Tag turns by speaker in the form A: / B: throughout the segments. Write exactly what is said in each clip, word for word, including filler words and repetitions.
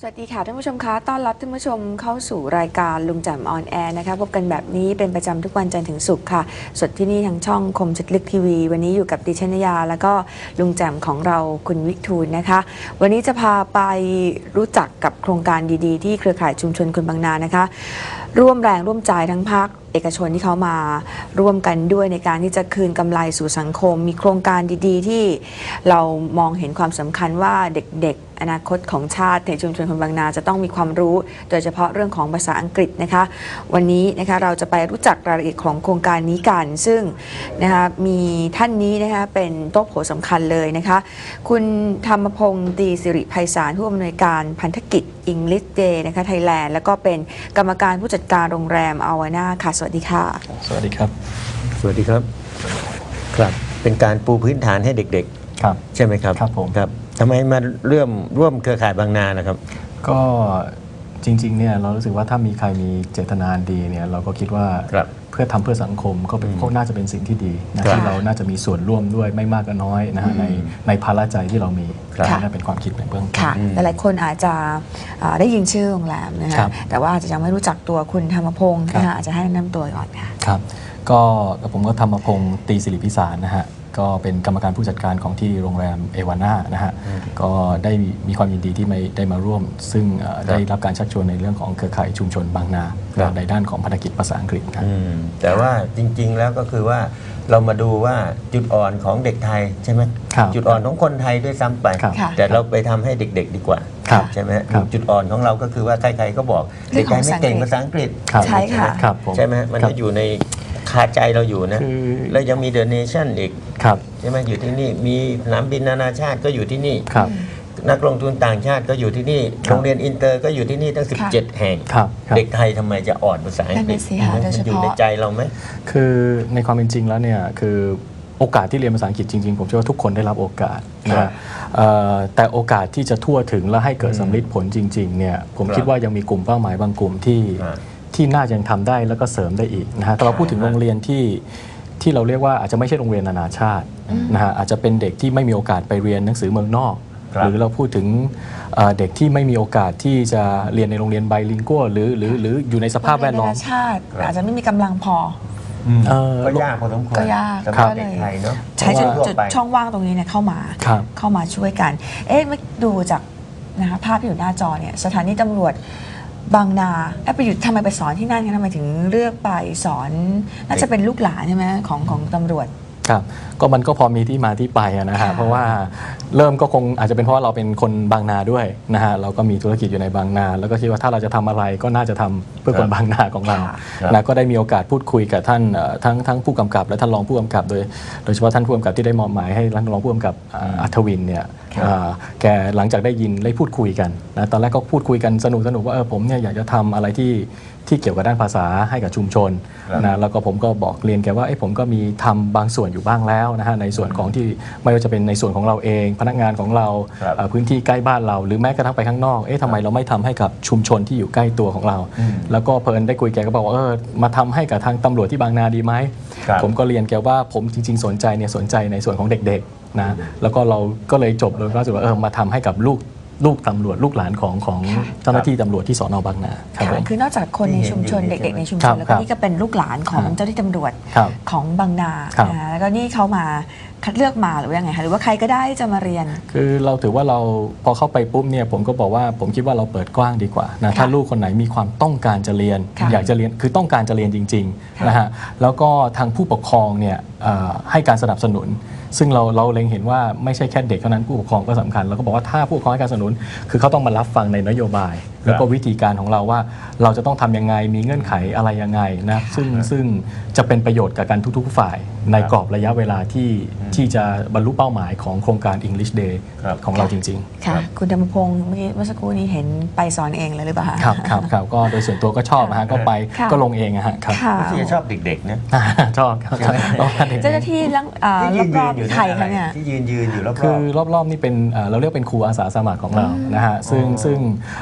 A: สวัสดีค่ะท่านผู้ชมคะต้อนรับท่านผู้ชมเข้าสู่รายการลุงแจ่มออนแอร์นะคะพบกันแบบนี้เป็นประจำทุกวันจันทร์ถึงศุกร์ค่ะสดที่นี่ทางช่องคมชัดลึกทีวีวันนี้อยู่กับดิฉันนยาแล้วก็ลุงแจ่มของเราคุณวิทูลนะคะวันนี้จะพาไปรู้จักกับโครงการดีๆที่เครือข่ายชุมชนคนบางนานะคะร่วมแรงร่วมใจทั้งภาคเอกชนที่เขามาร่วมกันด้วยในการที่จะคืนกำไรสู่สังคมมีโครงการดีๆที่เรามองเห็นความสำคัญว่าเด็กๆอนาคตของชาติในชุมชนคนบางนาจะต้องมีความรู้โดยเฉพาะเรื่องของภาษาอังกฤษนะคะวันนี้นะคะเราจะไปรู้จักรายละเอียดของโครงการนี้กันซึ่งนะคะมีท่านนี้นะคะเป็นโต๊ะโผสำคัญเลยนะคะคุณธรรมพงศ์ตรีสิริไพศาลผู้อำนวยการพันธกิจ English Day นะคะไทยแลนด์แล้วก็เป็นกรรมการผู้จัดการโรงแรมอาวาน่าค่ะสวัสดีค่ะ
B: สวัสดีครับ
C: สวัสดีครับครับเป็นการปูพื้นฐานให้เด็กๆครับใช่ไหมครับ
B: ครับผม
C: ครับทำไมมาเริ่มร่วมเครือข่ายบางนานะครับ
B: ก็จริงๆเนี่ยเรารู้สึกว่าถ้ามีใครมีเจตนาดีเนี่ยเราก็คิดว่าเพื่อทำเพื่อสังคมก็เป็นก็น่าจะเป็นสิ่งที่ดีนะที่เราน่าจะมีส่วนร่วมด้วยไม่มากก็น้อยนะฮะในในภาระใจที่เรามีน่าเป็นความคิดในเบื้องต้น
A: หลายคนอาจจะได้ยินชื่อโรงแรมนะฮะแต่ว่าอาจจะยังไม่รู้จักตัวคุณธรรมพงศ์นะคะอาจจะให้แนะนำตัวก่อนค่ะ
B: ครับก็ผมก็ธรรมพงศ์ตรีสิริพิสารนะฮะก็เป็นกรรมการผู้จัดการของที่โรงแรมเอวาน่านะฮะก็ได้มีความยินดีที่ได้มาร่วมซึ่งได้รับการชักชวนในเรื่องของเครือข่ายชุมชนบางนาในด้านของภารกิจภาษาอังกฤษครับ
C: แต่ว่าจริงๆแล้วก็คือว่าเรามาดูว่าจุดอ่อนของเด็กไทยใช่ไหมจุดอ่อนของคนไทยด้วยซ้ำไปแต่เราไปทำให้เด็กๆดีกว่าใช่ไหมจุดอ่อนของเราก็คือว่าใครๆก็บอกเด็กไทยไม่เก่งภาษาอังกฤษ
A: ใช่ค่ะ
C: ใช่ไหมมันก็อยู่ในคาใจเราอยู่นะแล้วยังมีเดอะเนชั่นอีกใช่ไหมอยู่ที่นี่มีสนามบินนานาชาติก็อยู่ที่นี่นักลงทุนต่างชาติก็อยู่ที่นี่โรงเรียนอินเตอร์ก็อยู่ที่นี่ตั้งสิบเจ็ดแห่งเด็กไทยทำไมจะอ่อนภาษาอังกฤษมันอยู่ในใจเราไหม
B: คือในความเป็นจริงแล้วเนี่ยคือโอกาสที่เรียนภาษาอังกฤษจริงๆผมเชื่อว่าทุกคนได้รับโอกาสนะแต่โอกาสที่จะทั่วถึงและให้เกิดสำลิดผลจริงๆเนี่ยผมคิดว่ายังมีกลุ่มเป้าหมายบางกลุ่มที่ที่น่าจะยังทำได้แล้วก็เสริมได้อีกนะฮะแต่เราพูดถึงโรงเรียนที่ที่เราเรียกว่าอาจจะไม่ใช่โรงเรียนนานาชาตินะฮะอาจจะเป็นเด็กที่ไม่มีโอกาสไปเรียนหนังสือเมืองนอกหรือเราพูดถึงเด็กที่ไม่มีโอกาสที่จะเรียนในโรงเรียนไบลิงกัวหรือหรือหรืออยู่ในสภาพแวดล้อม
A: นานาชาติอาจจะไม่มีกำลังพอ
C: ก็ยากพอสมควร
A: ก็ยาก
C: ก็เลย
A: ใช้จุดช่องว่างตรงนี้เนี่ยเข้ามาเข้ามาช่วยกันเอ๊ะมาดูจากนะคะภาพที่อยู่หน้าจอเนี่ยสถานีตำรวจบางนาไปอยู่ทำไมไปสอนที่นั่นกันทำไมถึงเลือกไปสอนน่าจะเป็นลูกหลานใช่ไหมของของตำรวจ
B: ครับก็มันก็พอมีที่มาที่ไปนะฮะเพราะว่าเริ่มก็คงอาจจะเป็นเพราะเราเป็นคนบางนาด้วยนะฮะเราก็มีธุรกิจอยู่ในบางนาแล้วก็คิดว่าถ้าเราจะทำอะไรก็น่าจะทำเพื่อคนบางนาของเรานะก็ได้มีโอกาสพูดคุยกับท่านทั้งทั้งผู้กำกับและท่านรองผู้กำกับโดยโดยเฉพาะท่านผู้กำกับที่ได้มอบหมายให้ท่านรองผู้กำกับอัธวินเนี่ยแกหลังจากได้ยินได้พูดคุยกันนะตอนแรกก็พูดคุยกันสนุกสนุกว่าเออผมเนี่ยอยากจะทำอะไรที่ที่เกี่ยวกับด้านภาษาให้กับชุมชนนะแล้วก็ผมก็บอกเรียนแกว่าไอ้ผมก็มีทำบางส่วนอยู่บ้างแล้วนะฮะในส่วนของที่ไม่ว่าจะเป็นในส่วนของเราเองพนักงานของเราพื้นที่ใกล้บ้านเราหรือแม้กระทั่งไปข้างนอกเอ๊ะทำไมเราไม่ทำให้กับชุมชนที่อยู่ใกล้ตัวของเราแล้วก็เพลินได้คุยแกก็บอกว่าเออมาทำให้กับทางตำรวจที่บางนาดีไหมผมก็เรียนแกว่าผมจริงๆสนใจเนี่ยสนใจในส่วนของเด็กๆนะแล้วก็เราก็เลยจบเลยก็รู้สึกว่าเออมาทำให้กับลูกลูกตำรวจลูกหลานของของเจ้าหน้าที่ตำรวจที่สน.บางนา
A: คือนอกจากคนในชุมชนเด็กๆในชุมชนแล้วก็นี่ก็เป็นลูกหลานของเจ้าหน้าที่ตำรวจของบางนาแล้วก็นี่เขามาคัดเลือกมาหรือว่ายังไงคะหรือว่าใครก็ได้จะมาเรียน
B: คือเราถือว่าเราพอเข้าไปปุ๊บเนี่ยผมก็บอกว่าผมคิดว่าเราเปิดกว้างดีกว่านะถ้าลูกคนไหนมีความต้องการจะเรียนอยากจะเรียนคือต้องการจะเรียนจริงๆนะฮะแล้วก็ทางผู้ปกครองเนี่ยให้การสนับสนุนซึ่งเราเราเล็งเห็นว่าไม่ใช่แค่เด็กเท่านั้นผู้ปกครองก็สำคัญแล้วก็บอกว่าถ้าผู้ปกครองให้การสนับสนุนคือเขาต้องมารับฟังในนโยบายแล้วก็วิธีการของเราว่าเราจะต้องทำยังไงมีเงื่อนไขอะไรยังไงนะซึ่งซึ่งจะเป็นประโยชน์กับกันทุกๆฝ่ายในกรอบระยะเวลาที่ที่จะบรรลุเป้าหมายของโครงการ English Day ของเราจริง
A: ๆค่ะคุณธรรมพงศ์เมื่อกี้เมื่อสักครู่นี้เห็นไปสอนเองเลยหรือเปล่า
B: ครับครับครับก็โดยส่วนตัวก็ชอบนะฮะก็ไปก็ลงเองอะฮะครับ
C: ที่ชอบเด็กๆนะ
B: ชอบ
A: เจ้าหน้าที่รอบๆไทยเขาเนี่ย
C: ที่ยืนยืนอยู่รอบๆ
B: คือรอบๆนี่เป็นเราเรียกเป็นครูอาสาสมัครของเรานะฮะซึ่งซึ่งก็รู้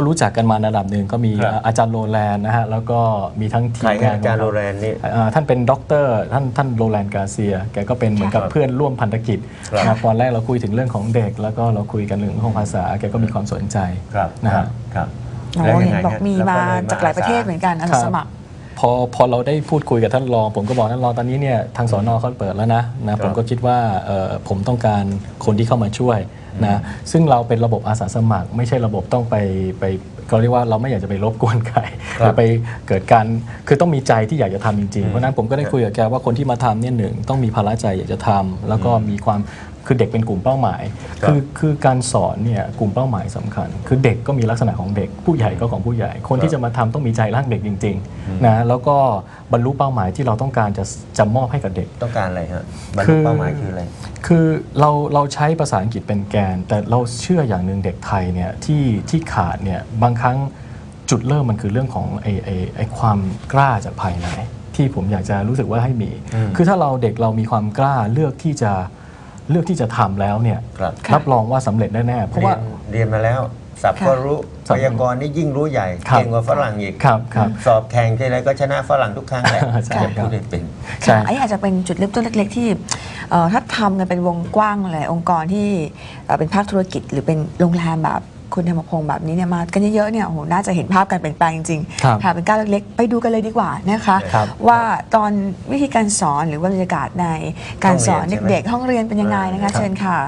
B: รู้จักกันมาระดับหนึ่งก็มี
C: ครับ
B: อาจารย์โรแลนด์นะฮะแล้วก็มีทั้งที
C: ใคร
B: ม
C: ครั
B: งา
C: บ
B: น
C: อาจารย์โรแลนด์นี่
B: อ่าท่านเป็นด็อกเตอร์ท่านท่านโรแลนด์กาเซียแกก็เป็นเหมือนกับ
C: ครับ
B: เพื่อนร่วมพันธกิจ
C: ครับ
B: นะครับตอนแรกเราคุยถึงเรื่องของเด็ก แล้วก็เราคุยกันเรื่องของภาษาแกก็มีความสนใจ
C: ครับ
B: นะฮะ
C: ครับ
A: โอ้
C: แล้วยั
A: เห็
C: ง
A: น
C: ไง
A: บอก
C: ฮะ
A: มี
C: แล้ว
A: มา
C: ก็เลย
A: จากหลายประเทศเหมือนกันอาสาสมัคร
B: พอพอเราได้พูดคุยกับท่านรองผมก็บอกท่านรองตอนนี้เนี่ยทางสอนอเขาเปิดแล้วนะนะผมก็คิดว่าเอ่อผมต้องการคนที่เข้ามาช่วยนะซึ่งเราเป็นระบบอาสาสมัคร ไม่ใช่ระบบต้องไปไปเขาเรียกว่าเราไม่อยากจะไปรบกวนใครหรือไปเกิดการคือต้องมีใจที่อยากจะทำจริงๆเพราะฉะนั้นผมก็ได้คุยกับแกว่าคนที่มาทำเนี่ยหนึ่งต้องมีภาระใจอยากจะทำแล้วก็มีความคือเด็กเป็นกลุ่มเป้าหมาย
C: ครับ
B: คือคือการสอนเนี่ยกลุ่มเป้าหมายสำคัญ คือเด็กก็มีลักษณะของเด็กผู้ใหญ่ก็ของผู้ใหญ่ คนที่จะมาทำต้องมีใจรักเด็กจริงๆนะแล้วก็บรรลุเป้าหมายที่เราต้องการจะจะมอบให้กับเด็ก
C: ต้องการอะไรฮะบรร
B: คื
C: ลุ
B: อ
C: เป้าหมายคืออะไร
B: คือเราเราใช้ภาษาอังกฤษเป็นแกน แต่เราเชื่ออย่างหนึ่งเด็กไทยเนี่ยที่ที่ขาดเนี่ยบางครั้งจุดเริ่มมันคือเรื่องของไอ้ไอ้ไอ้ความกล้าจากภายในที่ผมอยากจะรู้สึกว่าให้มี
C: อืม
B: คือถ้าเราเด็กเรามีความกล้าเลือกที่จะเลือกที่จะทำแล้วเนี่ย
C: ครับ
A: ค่ะ
B: รับรองว่าสำเร็จแน่ๆเพราะ
C: เรี
B: ว่า
C: ยนเรียนมาแล้วสับก็รู้
B: สั
C: พ
B: บ
C: ยากรณ์นี่ยิ่งรู้ใหญ่
B: ครับ
C: เก่งกว่าฝรั่งอีก
B: ครับครับ
C: สอบแข่งทีไรก็ชนะฝรั่งทุกครั้งแหละ
B: ใช่ครับ
C: พูดได้เป็น
B: ใช่
A: ค่ะอันนี้อาจจะเป็นจุดเริ่มต้นเล็กๆที่เอ่อถ้าทำกันเป็นวงกว้างหลายองค์กรที่เอ่อเป็นภาคธุรกิจ หรือเป็นโรงแรมแบบคุณธรรมพงศ์แบบนี้เนี่ยมากันเยอะๆเนี่ยโอ้โหน่าจะเห็นภาพการเปลี่ยนแปลงจริง
B: ครับ
A: ๆค่ะเป็นก้าวเล็กๆไปดูกันเลยดีกว่านะคะ
B: ครับ
A: ว่าตอนวิธีการสอนหรือว่าบรรยากาศในการสอน
C: ห้องเรียนใช่ไหม
A: เด็กๆห้องเรียนเป็นยังไงนะคะ
B: ครับ
A: เชิญค่ะ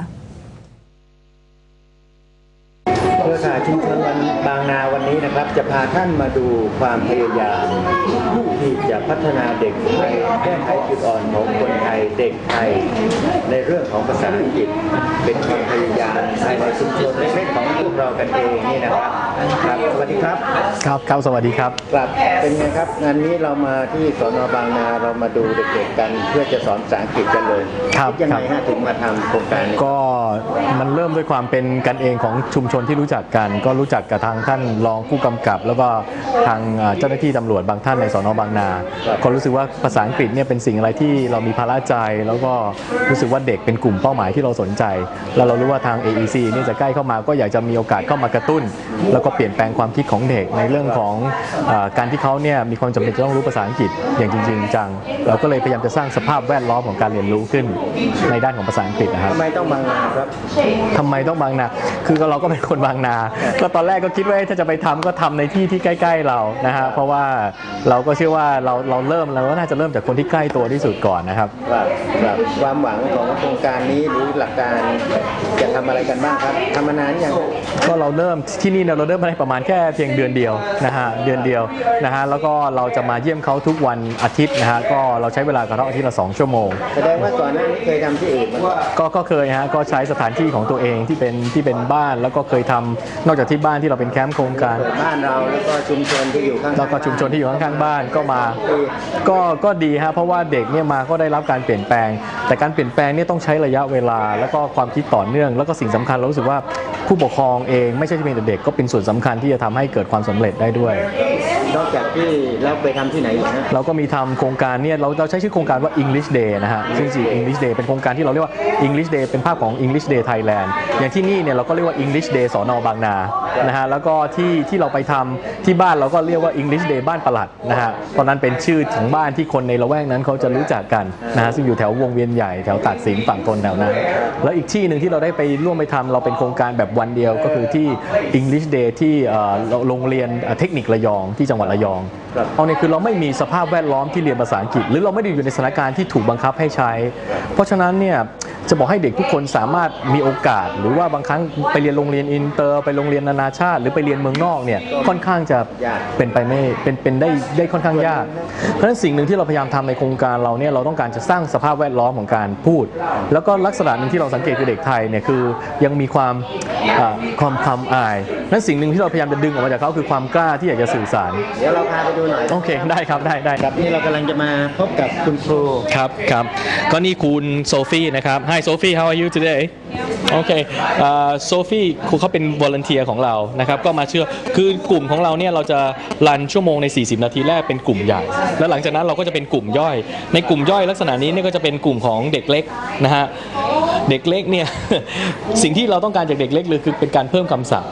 D: เครือข่ายชุมชนวันบางนาวันนี้นะครับ จะพาท่านมาดูความพยายามที่จะพัฒนาเด็กไทยแก้ไขจุดอ่อนของคนไทยเด็กไทยในเรื่องของภาษาอังกฤษเป็นความพยายามภายในชุมชนเล็กๆของพวกเรากันเองนี่นะครับครับสวัสดีครับ
B: ครับครับสวัสดีครับ
D: ครับเป็นไงครับงานนี้เรามาที่สนบางนาเรามาดูเด็กๆกัน เพื่อจะสอนภาษาอังกฤษกันเลย
B: ครับ
D: ดยังไง
B: ครั
D: ฮะ
B: บ
D: ถึงมาทำโครงการนี้
B: ก็มันเริ่มด้วยความเป็นกันเองของชุมชนที่รู้จักกัน ก็รู้จักกับทางท่านรองผู้กำกับ แล้วก็ทางเอ่อเจ้าหน้าที่ตำรวจบางท่านในสนบางนา
D: ครับ
B: ก็รู้สึกว่าภาษาอังกฤษเนี่ยเป็นสิ่งอะไรที่เรามีภาระใจ แล้วก็รู้สึกว่าเด็กเป็นกลุ่มเป้าหมายที่เราสนใจ แล้วเรารู้ว่าทาง เอ อี ซี เนี่ยจะใกล้เข้ามาก็อยากจะมีโอกาสเข้ามากระตุ้น แล้วก็เปลี่ยนแปลงความคิดของเด็กในเรื่องของเออการที่เขาเนี่ยมีความจำเป็นจะต้องรู้ภาษาอังกฤษอย่างจริงๆจังเราก็เลยพยายามจะสร้างสภาพแวดล้อมของการเรียนรู้ขึ้นในด้านของภาษาอังกฤษนะครับ
D: ทำไมต้องบางนาครับ
B: ทำไมต้องบางนา คือเราก็เป็นคนบางนา ก็ตอนแรกก็คิดว่าถ้าจะไปทำก็ทำในที่ที่ใกล้ๆเรา นะฮะ เพราะว่าเราก็เชื่อว่าเราเราเริ่มเราก็น่าจะเริ่มจากคนที่ใกล้ตัวที่สุดก่อนนะครับ
D: ครับครับความหวังของโครงการนี้หรือหลักการจะทำอะไรกันบ้างครับทำมานานยัง
B: ก็เราเริ่มที่นี่เนี่ยเราเริ่มมาได้ประมาณแค่เพียงเดือนเดียวนะฮะเดือนเดียวนะฮะแล้วก็เราจะมาเยี่ยมเขาทุกวันอาทิตย์นะฮะก็เราใช้เวลากับเขาอาทิตย์ละสองชั่วโมง
D: แสดงว่าก่อนหน้านี้เคยทำที่อื่นมาก่อน
B: ก็ก็เคยฮะก็ใช้สถานที่ของตัวเองที่เป็นที่เป็นบ้านแล้วก็เคยทำนอกจากที่บ้านที่เราเป็นแคมป์โครงการ
D: เปิดบ้านเราแล้วก็ชุมชนที่อยู่ข้างๆ
B: แล้วก็ชุมชนที่อยู่ข้างๆบ้านก็มา
D: ปี
B: ก็ก็ดีฮะเพราะว่าเด็กเนี่ยมาก็ได้รับการเปลี่ยนแปลง แต่การเปลี่ยนแปลงเนี่ยต้องใช้ระยะเวลา แล้วก็ความคิดต่อเนื่อง แล้วก็สิ่งสำคัญเรารู้สึกว่าผู้ปกครองเองไม่ใช่เพียงแต่เด็กก็เป็นส่วนสำคัญที่จะทำให้เกิดความสำเร็จได้ด้วย
D: นอกจากที่แล้วไปทำที่ไหนอีกฮะ
B: เราก็มีทำโครงการเนี่ยเราเราใช้ชื่อโครงการว่า English Day นะฮะซึ่งจริง English Day เป็นโครงการที่เราเรียกว่า English Day เป็นภาพของ English Day Thailand อย่างที่นี่เนี่ยเราก็เรียกว่า English Day สนบางนานะฮะแล้วก็ที่ที่เราไปทำที่บ้านเราก็เรียกว่า English Day บ้านปลัดนะฮะตอนนั้นเป็นชื่อของบ้านที่คนในละแวกนั้นเขาจะรู้จักกันนะฮะซึ่งอยู่แถววงเวียนใหญ่แถวตากสินฝั่งทนแถวนั้นแล้วอีกที่หนึ่งที่เราได้ไปร่วมไปทำเราเป็นโครงการแบบวันเดียวก็คือที่ English Day ที่เอ่อโรงเรียนเทคนิคระยองที่จังหวัดระยอง
D: ครับ
B: เอาเนี่ยคือเราไม่มีสภาพแวดล้อมที่เรียนภาษาอังกฤษ หรือเราไม่ได้อยู่ในสถานการณ์ที่ถูกบังคับให้ใช้ เพราะฉะนั้นเนี่ยจะบอกให้เด็กทุกคนสามารถมีโอกาส หรือว่าบางครั้งไปเรียนโรงเรียนอินเตอร์ไปโรงเรียนนานาชาติ หรือไปเรียนเมืองนอกเนี่ยค่อนข้างจะเป็นไปไม่เป็นเป็นได้ได้ค่อนข้างยาก เพราะฉะนั้นสิ่งหนึ่งที่เราพยายามทำในโครงการเราเนี่ยเราต้องการจะสร้างสภาพแวดล้อมของการพูด แล้วก็ลักษณะหนึ่งที่เราสังเกตคือเด็กไทยเนี่ยคือยังมีความอ่าความความอายนั้นสิ่งหนึ่งที่เราพยายามจะดึงออกมาจากเขาคือความกล้าที่อยากจะสื่อสาร
D: เดี๋ยวเราพาไปดูหน่อย
B: โอเคได้ครับได้ได้
D: ครับนี่เรากำลังจะมาพบกับคุณครู
B: ครับครับก็นี่คุณโซฟีนะครับ Hi Sophie how are you today โอเคโซฟีครูเขาเป็น volunteer ของเรานะครับก็มาเชื่อคือกลุ่มของเราเนี่ยเราจะรันชั่วโมงในสี่สิบนาทีแรกเป็นกลุ่มใหญ่ แล้วหลังจากนั้นเราก็จะเป็นกลุ่มย่อย ในกลุ่มย่อยลักษณะนี้เนี่ยก็จะเป็นกลุ่มของเด็กเล็กนะฮะเด็กเล็กเนี่ย สิ่งที่เราต้องการจากเด็กเล็กเลยคือเป็นการเพิ่มคำศัพท์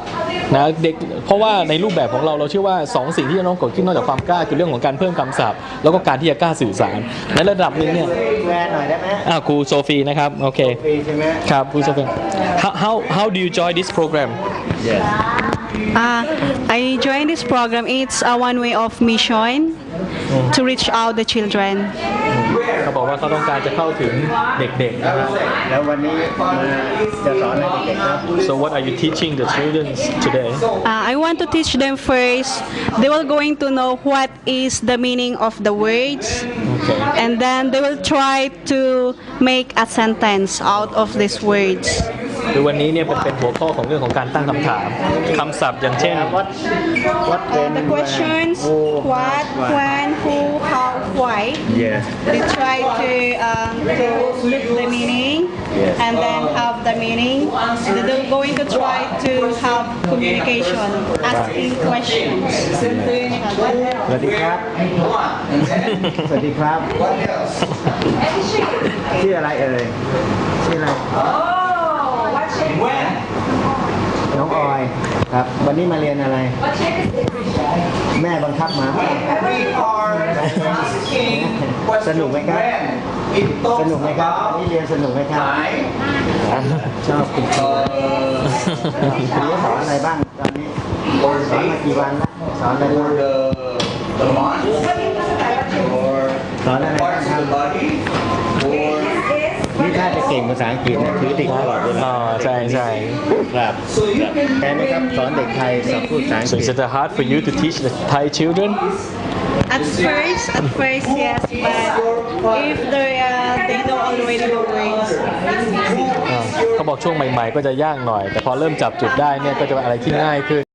B: นะเด็กเพราะว่าในรูปแบบของเราเราเชื่อว่าสองสิ่งที่จะต้องเกิดขึ้นนอกจากความกล้าคือเรื่องของการเพิ่มคำศัพท์แล้วก็การที่จะกล้าสื่อสารในระดับหนึ่งเนี่ย
D: แวร์หน่อยได้ไหม
B: อ่าครูโซฟีนะครับโอเค
D: ฟรีใช่ไหม
B: ครับครูโซฟี how how how do you join this program
D: yes
E: Uh, I joined this program. It's a one way of mission to reach out the children.
B: เขาบอกว่าเขาต้องการจะเข้าถึงเด็กๆนะครับ
D: แล้ววันนี้มาจะสอนให้เด็กๆครับ
B: so what are you teaching the children today
E: Uh, I want to teach them first. They will going to know what is the meaning of the words,
B: okay
E: and then they will try to make a sentence out of these words.
B: คือวันนี้เนี่ยเป็นเป็นหัวข้อของเรื่องของการตั้งคำถามคำศัพท์อย่างเช่น
D: what what
E: Uh,
D: when
E: the questions:
D: who
E: what, when, who, how, why.
D: yes
E: They try to um, to look the meaning
D: Yes.
E: and then have the meaning. And they're going to try to have communication, asking questions.
D: สวัสดีครับ สวัสดีครับ ชื่ออะไรเอ่ย ชื่ออะไร น้องออยครับ วันนี้มาเรียนอะไร แม่บังคับมา สนุกไหมครับ สนุกไหมครับวันนี้เรียนสนุกไหมครับ ชอบคุณครูคุณรู้สอนอะไรบ้างตอนนี้ สอนมากี่วันแล้วสอนอะไรบ้าง
F: the month or
D: สอนอะไรบ้าง
F: parts
D: ค
F: of
D: รับ
F: the body or
D: นี่ถ้าจะเก่งภาษาอังกฤษนะถือติดตลอดเวลา
B: อ๋อใช่ใช่
D: ครับแทนไหมครับสอนเด็กไทยสอนพูดภาษาอัง
B: so
D: กฤ
B: is
D: ษ
B: it hard for you to teach the Thai children
E: At first, at first, yes, but if they uh, they know already the words, it's easy.
B: อ่าเขาบอกช่วงใหม่ๆ ก็จะยากหน่อย แต่พอเริ่มจับจุดได้เนี่ยก็จะเป็นอะไรที่ง่ายขึ้น